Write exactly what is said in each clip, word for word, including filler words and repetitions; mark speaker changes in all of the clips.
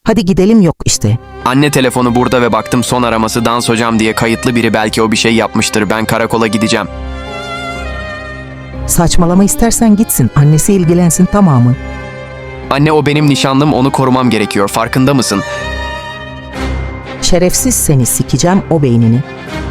Speaker 1: Hadi gidelim yok işte.
Speaker 2: Anne telefonu burada ve baktım son araması dans hocam diye kayıtlı biri, belki o bir şey yapmıştır. Ben karakola gideceğim.
Speaker 1: Saçmalama, istersen gitsin. Annesi ilgilensin, tamamı.
Speaker 2: Anne o benim nişanlım, onu korumam gerekiyor, farkında mısın?
Speaker 1: Şerefsiz, seni sikeceğim o beynini.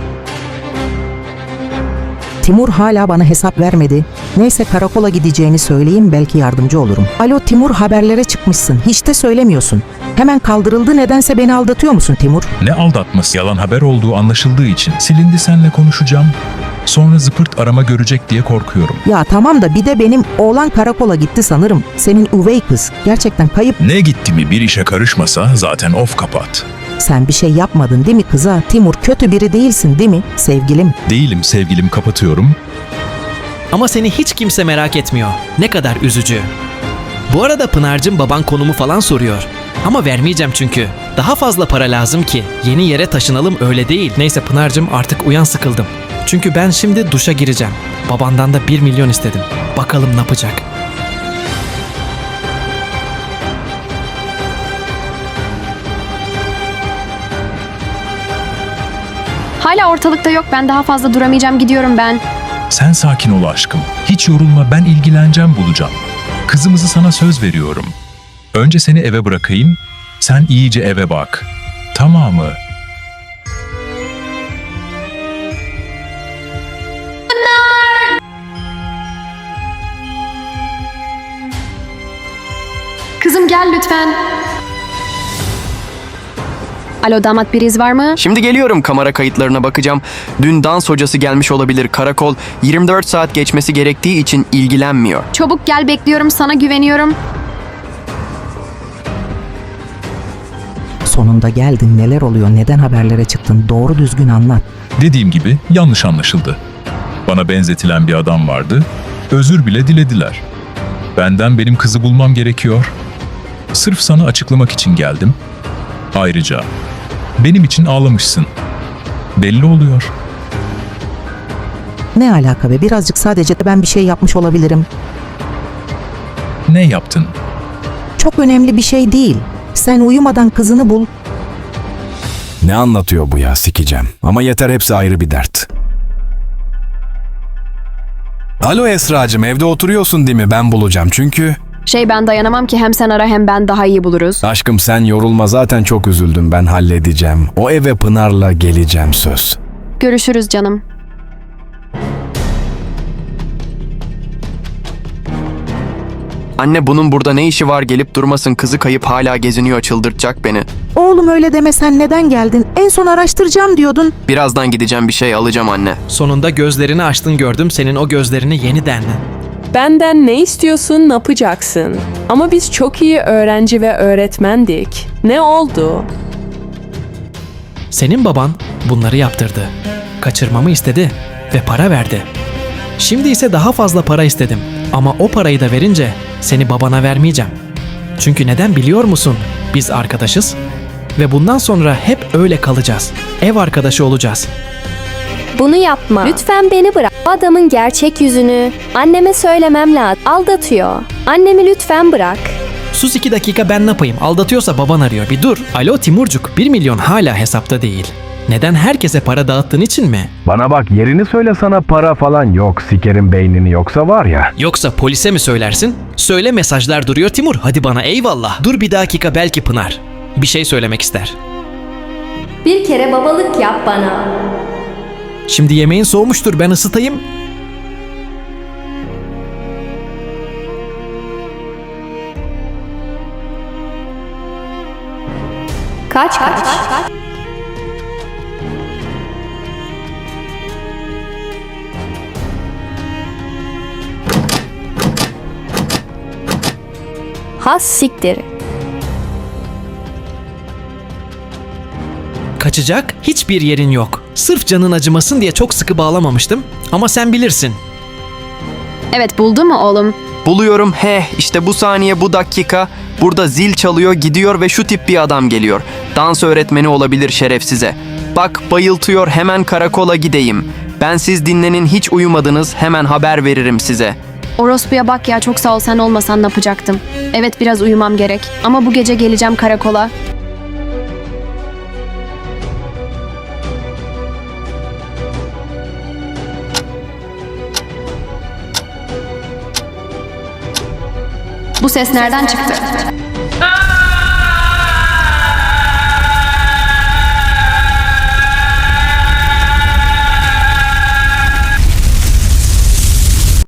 Speaker 1: Timur hala bana hesap vermedi. Neyse, karakola gideceğini söyleyeyim, belki yardımcı olurum. Alo Timur, haberlere çıkmışsın. Hiç de söylemiyorsun. Hemen kaldırıldı, nedense beni aldatıyor musun Timur?
Speaker 3: Ne aldatması, yalan haber olduğu anlaşıldığı için silindi, senle konuşacağım. Sonra zıpırt arama görecek diye korkuyorum.
Speaker 1: Ya tamam da bir de benim oğlan karakola gitti sanırım. Senin üvey kız. Gerçekten kayıp.
Speaker 3: Ne gitti mi, bir işe karışmasa zaten of kapat.
Speaker 1: Sen bir şey yapmadın değil mi kıza? Timur, kötü biri değilsin değil mi sevgilim?
Speaker 3: Değilim sevgilim, kapatıyorum.
Speaker 4: Ama seni hiç kimse merak etmiyor. Ne kadar üzücü. Bu arada Pınar'cığım, baban konumu falan soruyor. Ama vermeyeceğim çünkü. Daha fazla para lazım ki. Yeni yere taşınalım, öyle değil. Neyse Pınar'cığım, artık uyan, sıkıldım. Çünkü ben şimdi duşa gireceğim. Babandan da bir milyon istedim. Bakalım ne yapacak.
Speaker 5: Hala ortalıkta yok. Ben daha fazla duramayacağım. Gidiyorum ben.
Speaker 3: Sen sakin ol aşkım. Hiç yorulma, ben ilgileneceğim, bulacağım. Kızımızı sana söz veriyorum. Önce seni eve bırakayım, sen iyice eve bak. Tamamı.
Speaker 5: Kızım gel lütfen. Alo damat, bir iz var mı?
Speaker 2: Şimdi geliyorum, kamera kayıtlarına bakacağım. Dün dans hocası gelmiş olabilir. Karakol yirmi dört saat geçmesi gerektiği için ilgilenmiyor.
Speaker 5: Çabuk gel, bekliyorum, sana güveniyorum.
Speaker 1: Sonunda geldin. Neler oluyor? Neden haberlere çıktın? Doğru düzgün anlat.
Speaker 3: Dediğim gibi yanlış anlaşıldı. Bana benzetilen bir adam vardı, özür bile dilediler. Benden benim kızı bulmam gerekiyor. Sırf sana açıklamak için geldim. Ayrıca benim için ağlamışsın. Belli oluyor.
Speaker 1: Ne alaka be? Birazcık sadece ben bir şey yapmış olabilirim.
Speaker 3: Ne yaptın?
Speaker 1: Çok önemli bir şey değil. Sen uyumadan kızını bul.
Speaker 6: Ne anlatıyor bu ya, sikeceğim. Ama yeter, hepsi ayrı bir dert. Alo Esracığım, evde oturuyorsun değil mi? Ben bulacağım çünkü...
Speaker 5: Şey, ben dayanamam ki, hem sen ara hem ben daha iyi buluruz.
Speaker 6: Aşkım sen yorulma, zaten çok üzüldüm, ben halledeceğim. O eve Pınar'la geleceğim, söz.
Speaker 5: Görüşürüz canım.
Speaker 2: Anne bunun burada ne işi var, gelip durmasın, kızı kayıp hala geziniyor, çıldırtacak beni.
Speaker 1: Oğlum öyle deme, sen neden geldin? En son araştıracağım diyordun.
Speaker 2: Birazdan gideceğim, bir şey alacağım anne.
Speaker 4: Sonunda gözlerini açtın, gördüm senin o gözlerini yeniden.
Speaker 7: Benden ne istiyorsun, ne yapacaksın? Ama biz çok iyi öğrenci ve öğretmendik. Ne oldu?
Speaker 4: Senin baban bunları yaptırdı. Kaçırmamı istedi ve para verdi. Şimdi ise daha fazla para istedim. Ama o parayı da verince seni babana vermeyeceğim. Çünkü neden biliyor musun? Biz arkadaşız ve bundan sonra hep öyle kalacağız. Ev arkadaşı olacağız.
Speaker 8: Bunu yapma. Lütfen beni bırak. O adamın gerçek yüzünü anneme söylemem lazım. Aldatıyor. Annemi lütfen bırak.
Speaker 4: Sus iki dakika, ben ne yapayım? Aldatıyorsa baban arıyor. Bir dur. Alo Timurcuk, bir milyon hala hesapta değil. Neden, herkese para dağıttığın için mi?
Speaker 9: Bana bak, yerini söyle, sana para falan yok, sikerim beynini, yoksa var ya.
Speaker 4: Yoksa polise mi söylersin? Söyle, mesajlar duruyor Timur. Hadi bana eyvallah. Dur bir dakika, belki Pınar bir şey söylemek ister.
Speaker 8: Bir kere babalık yap bana.
Speaker 4: Şimdi yemeğin soğumuştur, ben ısıtayım.
Speaker 8: Kaç kaç. Has siktir.
Speaker 4: Kaçacak hiçbir yerin yok. Sırf canın acımasın diye çok sıkı bağlamamıştım. Ama sen bilirsin.
Speaker 5: Evet, buldu mu oğlum?
Speaker 2: Buluyorum, he işte bu saniye, bu dakika. Burada zil çalıyor, gidiyor ve şu tip bir adam geliyor. Dans öğretmeni olabilir şerefsize. Bak bayıltıyor, hemen karakola gideyim. Ben siz dinlenin, hiç uyumadınız, hemen haber veririm size.
Speaker 5: Orospu'ya bak ya, çok sağ ol, sen olmasan ne yapacaktım? Evet, biraz uyumam gerek ama bu gece geleceğim karakola. Bu ses nereden çıktı?